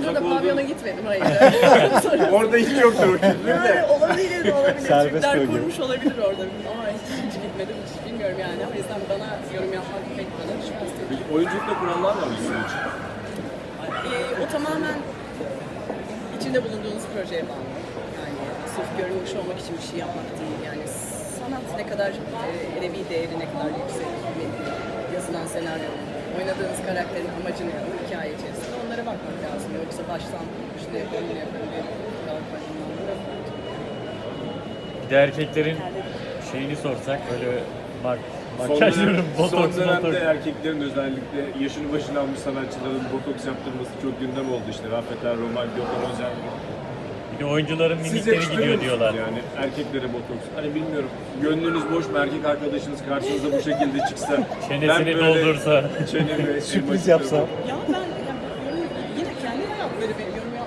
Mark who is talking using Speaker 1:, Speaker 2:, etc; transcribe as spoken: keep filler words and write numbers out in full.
Speaker 1: sırada
Speaker 2: olduğunu-
Speaker 1: pavyona gitmedim, hayır.
Speaker 2: Orada hiç yoktur o kültür de.
Speaker 1: Yani olabilir de olabilir.
Speaker 3: Serbest
Speaker 1: Türkler
Speaker 3: bölge.
Speaker 1: kurmuş olabilir orada. Ama hiç, hiç gitmedim, hiç bilmiyorum yani. O yüzden bana yorum yapmak pek bana düşmez.
Speaker 2: Peki oyunculukta kurallar var mı sizin için?
Speaker 1: Ee, o tamamen içinde bulunduğunuz projeye bağlı. Yani sırf görünmüş olmak için bir şey yapmak değil. Yani sanat ne kadar e, edebi değeri ne kadar yüksek, bir yazılan senaryo, oynadığınız karakterin amacı ne, o hikaye içerisinde onlara bakmak lazım. Yoksa baştan şunu yapalım, bunu yapalım diye bakmaktan
Speaker 3: Bir de erkeklerin şeyini sorsak böyle mak
Speaker 2: Son,
Speaker 3: makyaj
Speaker 2: dönem,
Speaker 3: yorum,
Speaker 2: son
Speaker 3: botoks,
Speaker 2: dönemde
Speaker 3: botoks.
Speaker 2: erkeklerin özellikle yaşını başına almış sanatçıların botoks yaptırması çok gündem oldu işte. Rafet Er, Roman, Gökhan Özen.
Speaker 3: Bir de oyuncuların
Speaker 2: Siz
Speaker 3: mimikleri
Speaker 2: yakıştırıyor
Speaker 3: gidiyor
Speaker 2: musunuz
Speaker 3: diyorlar.
Speaker 2: yani erkeklere botoks? Hani bilmiyorum, gönlünüz boş mu, erkek arkadaşınız karşınıza bu şekilde çıksa,
Speaker 3: Çenesini doldursa.
Speaker 2: çenemi,
Speaker 3: Sürpriz
Speaker 2: elmasını-
Speaker 3: yapsa.
Speaker 1: Ya ben yani yorum, yine kendi hayatları bir yorum